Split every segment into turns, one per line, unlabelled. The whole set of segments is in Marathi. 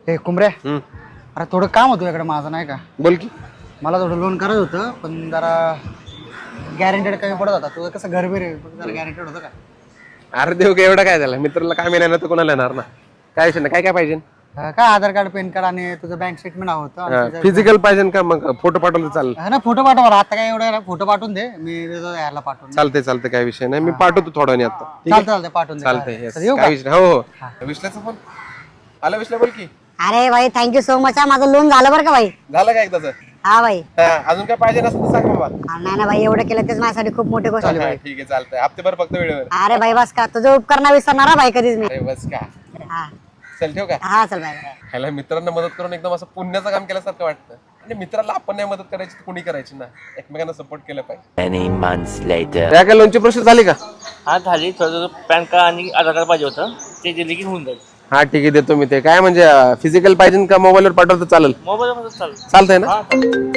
हे कुंबऱ्या, अरे थोडं काम होतं इकडे माझं नाही का.
बोल की.
मला थोडं लोन करायचं होतं पण जरा गॅरंटेड कमी पडत होता. तुझं कसं घर बी रे, जरा गॅरंटेड होतं का?
अरे देऊ का एवढं काय झालं, मित्राला काय मिळणार तर कोणाला येणार ना. काय विषय नाही, काय काय पाहिजे.
काय आधार कार्ड, पॅन कार्ड आणि तुझं बँक स्टेटमेंट हवं होतं.
फिजिकल पाहिजे का मग फोटो पाठवलं चालेल.
ना फोटो पाठवा, आता काय एवढं फोटो पाठवून दे, मी देतो याला पाठवून.
चालतंय चालतंय, काय विषय नाही. मी पाठवतो थोडा वेळ आता.
चालतंय पाठवून दे.
चालतंय.
येऊ
काय
का?
विषय. हो विश्लेचा फोन आला. विश्ले बोल की.
अरे भाई थँक्यू सो मच. माझं लोन झालं बरं का भाई.
झालं का एकदाच.
हा भाई.
अजून काय पाहिजे नसतं तर सांग बाबा.
नाही ना भाई, एवढं केलं तेच माझ्यासाठी खूप मोठी गोष्ट झाली भाई.
ठीक आहे चालतंय. हप्ते भर फक्त वेळेवर.
अरे भाई बस का, तुझं उपकार नाही विसरणार भाई कधीच मी.
अरे बस का.
हा
चल ठेव का.
हा चल भाई.
ह्याला मित्रांना मदत करून एकदम असं पुण्याचं काम केल्यासारखं वाटतं. आणि मित्राला आपण नाही मदत करायची तर कुणी करायची ना. एकमेकांना सपोर्ट केलं पाहिजे.
Many months later.
त्या काय लोनची प्रोसेस झाली का.
हा झाली. थोडं पॅन कार्ड आणि आधार कार्ड पाहिजे होतं, ते दिले की होऊन जाईल.
हा ठीक आहे, देतो मी ते. काय म्हणजे फिजिकल पाहिजे का मोबाईलवर पाठवलं तर चालेल.
मोबाईलमध्ये चालेल.
चालतंय ना.
हा चालेल.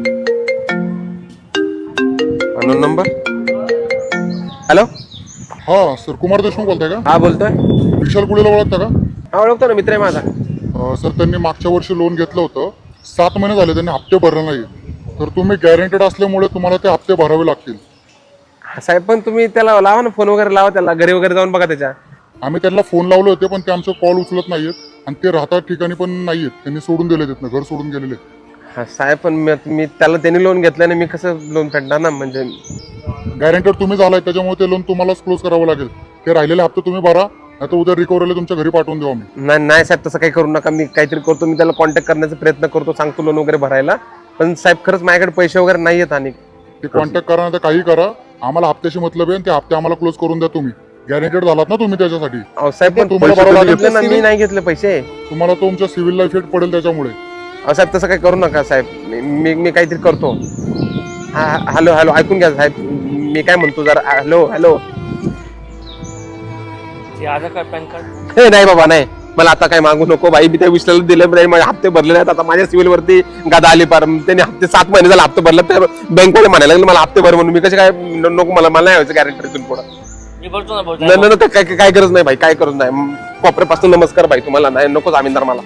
नंबर. हॅलो.
हा सर, कुमार देशमुख बोलताय का?
हा बोलतोय.
विशाल गुळेला ओळखता का?
हा ओळखतो ना, मित्र आहे माझा.
सर, त्यांनी मागच्या वर्षी लोन घेतलं होतं. 7 महिने झाले त्यांनी हप्ते भरले नाही. तर तुम्ही गॅरंटेड असल्यामुळे तुम्हाला ते हप्ते भरावे लागतील.
साहेब पण तुम्ही त्याला लावा ना, फोन वगैरे लावा त्याला, घरी वगैरे जाऊन बघा त्याच्या.
आम्ही त्यांना फोन लावले होते पण ते आमचं कॉल उचलत नाहीयेत आणि ते राहतात ठिकाणी पण नाहीयेत. त्यांनी सोडून दिले तिथनं, घर सोडून गेलेले.
हा साहेब पण मी त्याला त्यांनी लोन घेतलं नाही, मी कसं लोन फेडणार ना. म्हणजे
गॅरंटेड तुम्ही झालाय त्याच्यामुळे ते लोन तुम्हालाच क्लोज करावं लागेल. ते राहिलेले हप्ते तुम्ही भरा, नाही तर उद्या रिकव्हरीला तुमच्या घरी पाठवून देऊ आम्ही.
नाही साहेब, तसं काही करू नका. मी काहीतरी करतो, मी त्याला कॉन्टॅक्ट करण्याचा प्रयत्न करतो, सांगतो लोन वगैरे भरायला. पण साहेब खरंच माझ्याकडे पैसे वगैरे नाही आहेत. आणि
ते कॉन्टॅक्ट करा, नाही तर काही करा. आम्हाला हप्त्याशी मतलब आहे, ते हप्ते आम्हाला क्लोज करून द्या. तुम्ही गॅरंटेड झालात ना तुम्ही त्याच्यासाठी.
साहेब पण
तुम्हाला
पैसे
भरावं
तुम्ही
लागेल.
घेतले ना, मी नाही घेतले पैसे.
तुम्हाला तुमच्या सिव्हिलला इफेक्ट पडेल त्याच्यामुळे.
साहेब तसं काही करू नका साहेब. मी काहीतरी करतो. हा हॅलो हॅलो, ऐकून घ्या साहेब, मी काय म्हणतो जरा. Hello hello.
ते आधार कार्ड पॅन कार्ड.
हे नाही बाबा, नाही. मला आता काय मागू नको बाई. मी त्या विश्लेला दिले नाही, माझे हप्ते भरले नाहीत. आता माझ्या सिव्हिल वरती गादा आली पार. त्यांनी हप्ते 7 महिने झाले हप्ते भरले, तर बँकवाले म्हणायला लागले मला हप्ते भर म्हणून. मी कसे काय नको, मला नाही व्हायचं गॅरंटी इथून पुढं.
मी भरतो ना.
नाही काय गरज नाही भाई, काय गरज नाही. कोपऱ्यापासून नमस्कार भाई तुम्हाला. नाही नको जामीनदार मला.